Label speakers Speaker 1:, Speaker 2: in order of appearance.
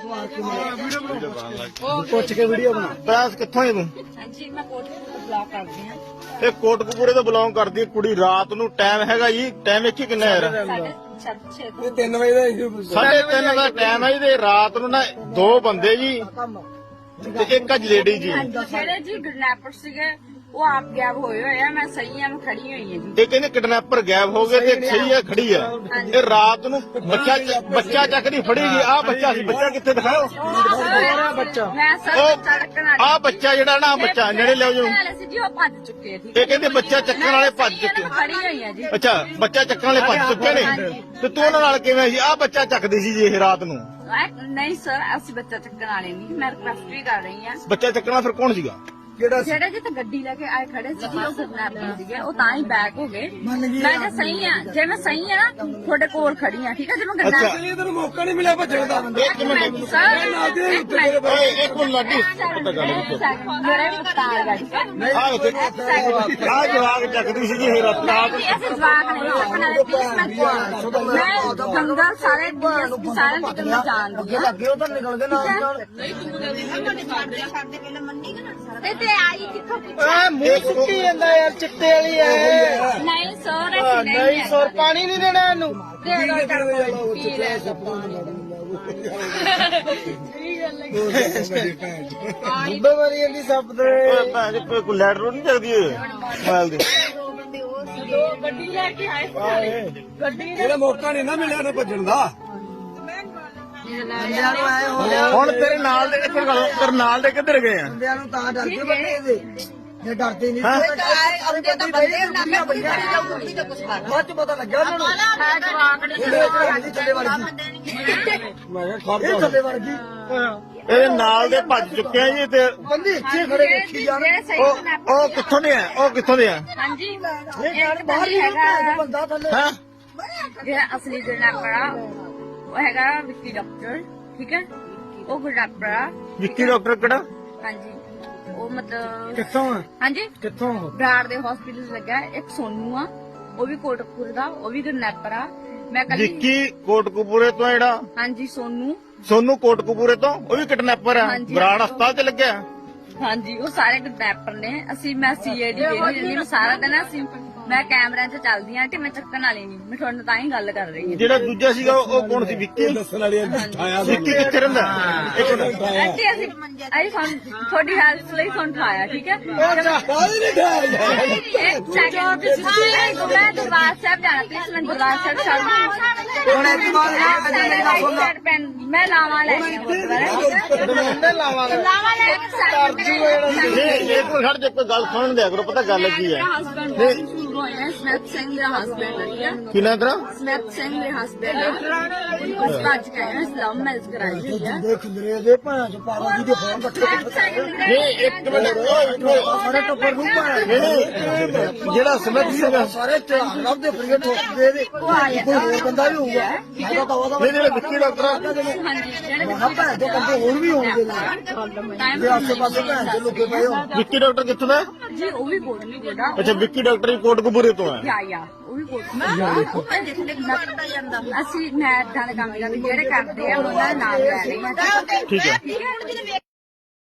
Speaker 1: ਪੁੱਛ ਕੇ ਵੀਡੀਓ ਬਣਾ।
Speaker 2: ਪ੍ਰੈਸ ਕਿੱਥੋਂ ਹੈ ਤੂੰ?
Speaker 3: ਹਾਂਜੀ ਮੈਂ ਕੋਟਕਪੂਰੇ ਤੋਂ ਬਲੌਗ ਕਰਦੀ ਹਾਂ।
Speaker 2: ਇਹ ਕੋਟਕਪੂਰੇ ਤੋਂ ਬਿਲੋਂਗ ਕਰਦੀ ਹੈ ਕੁੜੀ। ਰਾਤ ਨੂੰ ਟਾਈਮ ਹੈਗਾ ਜੀ, ਟਾਈਮ ਵੇਖੀ ਕਿੰਨਾ ਯਾਰ?
Speaker 3: 6:30
Speaker 1: 3 ਵਜੇ ਦਾ
Speaker 2: 3:30 ਦਾ ਟਾਈਮ ਹੈ ਜੀ। ਤੇ ਰਾਤ ਨੂੰ ਨਾ ਦੋ ਬੰਦੇ ਜੀ ਤੇ ਇੱਕ ਅੱਜ ਲੇਡੀ ਜੀ,
Speaker 3: ਜਿਹੜੇ ਜੀ ਕਿਡਨੈਪਰ ਸੀਗੇ ਉਹ ਆਪ ਗਾਇਬ ਹੋਏ ਹੋਏ ਆ। ਮੈਂ ਸਹੀ ਆ, ਮੈਂ ਖੜੀ ਹੋਈ ਹਾਂ ਜੀ।
Speaker 2: ਇਹ ਕਹਿੰਦੇ ਕਿਡਨੈਪਰ ਗਾਇਬ ਹੋ ਗਏ ਤੇ ਇੱਕ ਸਹੀ ਹੈ ਖੜੀ ਹੈ। ਇਹ ਰਾਤ ਨੂੰ ਬੱਚਾ ਚੱਕਦੀ ਫੜੀ ਗਈ। ਆਹ ਬੱਚਾ ਸੀ, ਬੱਚਾ ਕਿੱਥੇ ਦਿਖਾਓ?
Speaker 1: ਬੱਚਾ
Speaker 3: ਮੈਂ ਸਰ ਚੜਕਣ ਵਾਲੀ
Speaker 2: ਆਹ ਬੱਚਾ ਜਿਹੜਾ ਨਾ, ਬੱਚਾ ਨੇੜੇ ਲਿਆਓ ਜੀ।
Speaker 3: ਵਾਲੇ ਸੀ ਜੀ, ਉਹ ਭੱਜ ਚੁੱਕੇ ਆ। ਠੀਕ
Speaker 2: ਇਹ ਕਹਿੰਦੇ ਬੱਚਾ ਚੱਕਣ ਵਾਲੇ ਭੱਜ ਚੁੱਕੇ।
Speaker 3: ਮੈਂ ਖੜੀ ਹੋਈ ਹਾਂ ਜੀ।
Speaker 2: ਅੱਛਾ, ਬੱਚਾ ਚੱਕਣ ਵਾਲੇ ਭੱਜ ਚੁੱਕੇ ਨੇ ਤੇ ਤੂੰ ਉਹਨਾਂ ਨਾਲ ਕਿਵੇਂ ਸੀ? ਆਹ ਬੱਚਾ ਚੱਕਦੀ ਸੀ ਜੀ ਇਹ ਰਾਤ ਨੂੰ।
Speaker 3: ਨਹੀਂ ਸਰ, ਅਸੀਂ ਬੱਚਾ ਚੱਕਣ ਵਾਲੇ ਨਹੀਂ। ਮੈਂ ਰਿਕਵੈਸਟ ਵੀ ਕਰ ਰਹੀ ਹਾਂ।
Speaker 2: ਬੱਚਾ ਚੱਕਣਾ ਫਿਰ ਕੌਣ ਸੀਗਾ?
Speaker 3: ਜਿਹੜੇ ਜਿੱਥੇ ਗੱਡੀ ਲੈ ਕੇ ਆਏ ਖੜੇ ਸੀ ਉਹ ਕਿਡਨੈਪਰ ਸੀਗੇ। ਉਹ ਤਾਂ ਹੀ ਬੈਕ ਹੋ ਗਏ। ਮੈਂ ਜੇ ਸਹੀ ਆ, ਜੇ ਮੈਂ ਸਹੀ ਆ ਨਾ ਤੁਹਾਡੇ ਕੋਲ ਖੜੀ ਆ। ਠੀਕ ਆ, ਜੇ ਮੈਂ ਕਿਡਨੈਪਰ
Speaker 1: ਤੈਨੂੰ ਮੌਕਾ ਨਹੀਂ ਮਿਲਿਆ ਭੱਜਣ ਦਾ।
Speaker 2: ਇੱਕ ਮਿੰਟ
Speaker 3: ਸਰ
Speaker 2: ਓਏ ਇੱਕ ਮਿੰਟ ਲੱਗੀ ਪਤਾ ਗੱਲ
Speaker 3: ਮੇਰਾ ਵੀ ਪਤਾ ਆ ਗਿਆ।
Speaker 2: ਆਹ ਜਵਾਗ ਚੱਕਦੀ ਸੀ ਜੀ ਇਹ ਰਾਤ ਨੂੰ।
Speaker 3: ਅਸੀਂ ਜਵਾਕ ਨਹੀਂ ਚੱਕਣ ਵਾਲੇ। ਪਲੀਜ਼ ਮੈਂ ਜੰਗਲ ਸਾਰੇ ਡੀਐਸਪੀ ਸਾਰੇ ਨਿਕਲ ਜਾਣਦੀ ਆ।
Speaker 1: ਅੱਗੇ ਉਧਰ ਨਿਕਲ ਗਏ ਨਾਲ
Speaker 3: ਤੇ ਆਈ ਕਿੱਥੋਂ
Speaker 1: ਆ ਮੂੰਹ ਸੁੱਕੀ ਜਾਂਦਾ ਯਾਰ, ਚਿੱਟੇ ਵਾਲੀ ਐ।
Speaker 3: ਨਹੀਂ ਸਰ, ਅਸੀਂ
Speaker 1: ਨਹੀਂ ਸੌਰ ਪਾਣੀ ਨਹੀਂ ਦੇਣਾ ਇਹਨੂੰ।
Speaker 3: ਦੇ ਦੋ ਕਰ ਪੀ ਲੈ।
Speaker 1: ਬੁੱਢੇ ਮਾਰੀ ਜਾਂਦੀ ਸੱਪ ਦੇ।
Speaker 2: ਓਏ ਭੈਣ ਜੀ ਕੋਈ ਲੈਟ ਰੋਡ ਨਹੀਂ ਚੱਕਦੀ ਮੋਬਾਈਲ ਦੀ?
Speaker 3: ਗੱਡੀ ਲੈ ਕੇ ਆਏ ਸਾਰੇ। ਗੱਡੀ
Speaker 1: ਇਹਦਾ ਮੌਕਾ ਨਹੀਂ ਨਾ ਮਿਲਿਆ ਨਾ ਭੱਜਣ ਦਾ। ਬੰਦਿਆਂ ਨੂੰ ਐ ਹੋ ਗਿਆ,
Speaker 2: ਹੁਣ ਤੇਰੇ ਨਾਲ ਦੇ ਤੇਰੇ ਨਾਲ ਦੇ ਕਿੱਧਰ ਗਏ ਆ?
Speaker 1: ਬੰਦਿਆਂ ਨੂੰ ਤਾਂ ਡਰ ਕੇ ਬੰਦੇ ਇਹਦੇ ਜੇ ਡਰਦੇ ਨਹੀਂ
Speaker 2: ਹੈਂ?
Speaker 1: ਅੱਗੇ ਤਾਂ ਬੰਦੇ ਨਾ ਬਾਅਦ ਚ ਪਤਾ ਲੱਗਿਆ ਉਹਨਾਂ ਨੂੰ।
Speaker 3: ਜਵਾਕ ਨਹੀਂ
Speaker 1: ਇਹ ਥੱਲੇ ਵੜ ਗਈ। ਮੈਂ ਕਿਹਾ ਇਹ ਥੱਲੇ ਵੜ ਗਈ।
Speaker 2: ਇਹਦੇ ਨਾਲ ਦੇ ਭੱਜ ਚੁੱਕੇ ਆ ਜੀ। ਤੇ
Speaker 1: ਬੰਦੇ ਇੱਥੇ ਖੜੇ ਵੇਖੀ ਜਾਣ।
Speaker 2: ਉਹ ਕਿੱਥੋਂ ਦੇ ਆ? ਉਹ ਕਿੱਥੋਂ ਦੇ ਆ?
Speaker 3: ਹਾਂਜੀ
Speaker 1: ਇਹ ਗੱਲ ਬਾਹਰ ਹੀ ਹੈਗਾ ਬੰਦਾ ਥੱਲੇ।
Speaker 2: ਹਾਂ
Speaker 3: ਜਿਹੜਾ ਅਸਲੀ ਕਿਡਨੈਪਰ ਆ ਉਹ ਹੈਗਾ ਵਿੱਕੀ ਡਾਕਟਰ। ਠੀਕ ਹੈ, ਉਹ ਕਿਡਨੈਪਰ ਆ।
Speaker 2: ਵਿੱਕੀ ਡਾਕਟਰ ਕਿਹੜਾ?
Speaker 3: ਹਾਂਜੀ, ਉਹ ਮਤਲਬ
Speaker 1: ਕਿੱਥੋਂ ਆ?
Speaker 3: ਹਾਂਜੀ
Speaker 1: ਕਿੱਥੋਂ?
Speaker 3: ਬਰਾੜ ਦੇ ਹਸਪੀਟਲ ਲੱਗਾ। ਇੱਕ ਸੋਨੂ ਆ, ਉਹ ਵੀ ਕੋਟਕਪੂਰੇ ਦਾ, ਉਹ ਵੀ ਕਿਡਨੈਪਰ ਆ। ਮੈਂ ਕੱਲ
Speaker 2: ਵਿੱਕੀ ਕੋਟਕਪੂਰੇ ਤੋਂ ਜਿਹੜਾ
Speaker 3: ਹਾਂਜੀ
Speaker 2: ਸੋਨੂੰ ਕੋਟਕਪੂਰੇ ਤੋਂ, ਉਹ ਵੀ ਕਿਡਨੈਪਰ ਆ।
Speaker 3: ਹਾਂਜੀ।
Speaker 2: ਬਰਾੜ ਹਸਪਤਾਲ ਚ ਲੱਗਿਆ।
Speaker 3: ਹਾਂਜੀ, ਉਹ ਸਾਰੇ ਕਿਡਨੈਪਰ ਨੇ। ਮੈਂ ਸੀਆਈਡੀ ਵੇਖਦੀ ਰਹਿੰਦੀ। ਮੈਂ ਸਾਰਾ ਦਿਨ ਮੈਂ ਕੈਮਰਿਆਂ 'ਚ ਚੱਲਦੀ ਆਂ ਕਿ ਮੈਂ ਚੱਕਣ ਵਾਲੀ ਨਹੀਂ। ਮੈਂ ਤੁਹਾਡੇ ਨਾਲ ਤਾਂ ਹੀ ਗੱਲ ਕਰ ਰਹੀ ਹਾਂ।
Speaker 2: ਜਿਹੜਾ ਦੂਜਾ ਸੀਗਾ ਉਹ ਕੌਣ ਸੀ? ਵਿੱਕੀ
Speaker 1: ਦੱਸਣ ਵਾਲੀ ਆਇਆ
Speaker 2: ਵਿੱਕੀ ਕਿੱਥੇ ਰਹਿੰਦਾ? ਇੱਕ ਮਿੰਟ
Speaker 3: ਅੱਛਾ, ਅਸੀਂ ਤੁਹਾਡੀ ਹੈਲਪ ਲਈ ਤੁਹਾਨੂੰ ਠਾਇਆ। ਠੀਕ ਹੈ,
Speaker 1: ਕਾਹਦੇ ਨਹੀਂ ਠਾਇਆ?
Speaker 3: ਇੱਕ ਸੈਕਿੰਡ ਮੈਂ ਦਰਬਾਰ ਸਾਹਿਬ ਜਾਣਾ। ਪਲੀਜ਼ ਮੈਂ ਦਰਬਾਰ ਸਾਹਿਬ ਛੱਡ
Speaker 1: ਹੁਣ ਇੱਕ ਵਾਰ
Speaker 3: ਮੈਂ ਲਾਵਾਂ ਲੈ ਕੇ
Speaker 1: ਬੰਦੇ ਲਾਵਾਂਗੇ।
Speaker 2: ਇੱਕ ਮਿੰਟ ਖੜ ਜਾ, ਕੋਈ ਗੱਲ ਸੁਣਨ ਦਿਆ ਕਰੋ। ਪਤਾ ਗੱਲ ਕੀ ਹੈ?
Speaker 3: ਸਮੈਥ ਸਿੰਘ ਦੇ ਹਸਬੈਂਡ
Speaker 2: ਕੀ ਨਾ ਤੇਰਾ?
Speaker 3: ਸਮੈਥ ਸਿੰਘ ਦੇ ਹਸਬੈਂਡ ਉਸ ਬਾਅਦ ਕਹਿਆ ਇਸਲਾਮ ਮੈਰਿਜ ਕਰਾਈ ਹੋਈ ਹੈ।
Speaker 1: ਦੇਖ ਦਰੇ ਦੇ ਭਾਂ ਚ ਪਾਵਾ ਜੀ ਦੇ ਫੋਨ ਇਕੱਠੇ
Speaker 2: ਨਹੀਂ ਇੱਕ ਮਿੰਟ
Speaker 1: ਸਾਰੇ ਟੱਬਰ ਨੂੰ ਭਾਂ
Speaker 2: ਨਹੀਂ ਜਿਹੜਾ ਸਮਝ ਸੀਗਾ
Speaker 1: ਸਾਰੇ ਝਾੜ ਲੱਭਦੇ ਫਰੀਏ ਠੋਕਦੇ ਦੇ। ਕੋਈ ਹੋਰ ਬੰਦਾ ਵੀ ਹੋਊਗਾ। ਉਹਦਾ ਤਾਂ ਉਹਦਾ
Speaker 2: ਨਹੀਂ ਜਿਹੜਾ ਵਿੱਕੀ ਡਾਕਟਰ ਆ।
Speaker 3: ਹਾਂਜੀ, ਜਿਹੜੇ
Speaker 1: ਮਹਾ ਭੈਣ ਦੇ ਬੰਦੇ ਹੋਰ ਵੀ ਹੋਣਗੇ ਜੇ ਆਸੇ ਪਾਸੇ ਭੈਣ ਦੇ ਲੁਕੇ ਪਏ ਹੋ।
Speaker 2: ਵਿੱਕੀ ਡਾਕਟਰ ਕਿੱਥੋਂ ਦਾ?
Speaker 3: ਜੀ ਉਹ ਵੀ ਕੋਟ ਨਹੀਂ ਕੋਟਾ।
Speaker 2: ਅੱਛਾ, ਵਿੱਕੀ ਡਾਕਟਰ ਵੀ ਕੋਟਕਪੂਰੇ ਤੋਂ ਆ।
Speaker 3: ਯਾ ਉਹ ਵੀ ਕੋਟ ਅਸੀਂ ਮੈਂ ਏਦਾਂ ਦੇ ਕੰਮ ਕਰਦੇ ਜਿਹੜੇ ਕਰਦੇ ਆ ਉਹਨਾਂ ਦਾ ਨਾਮ ਲੈ ਰਹੀ ਹਾਂ।
Speaker 2: ਠੀਕ ਹੈ।
Speaker 3: ਠੀਕ ਹੈ।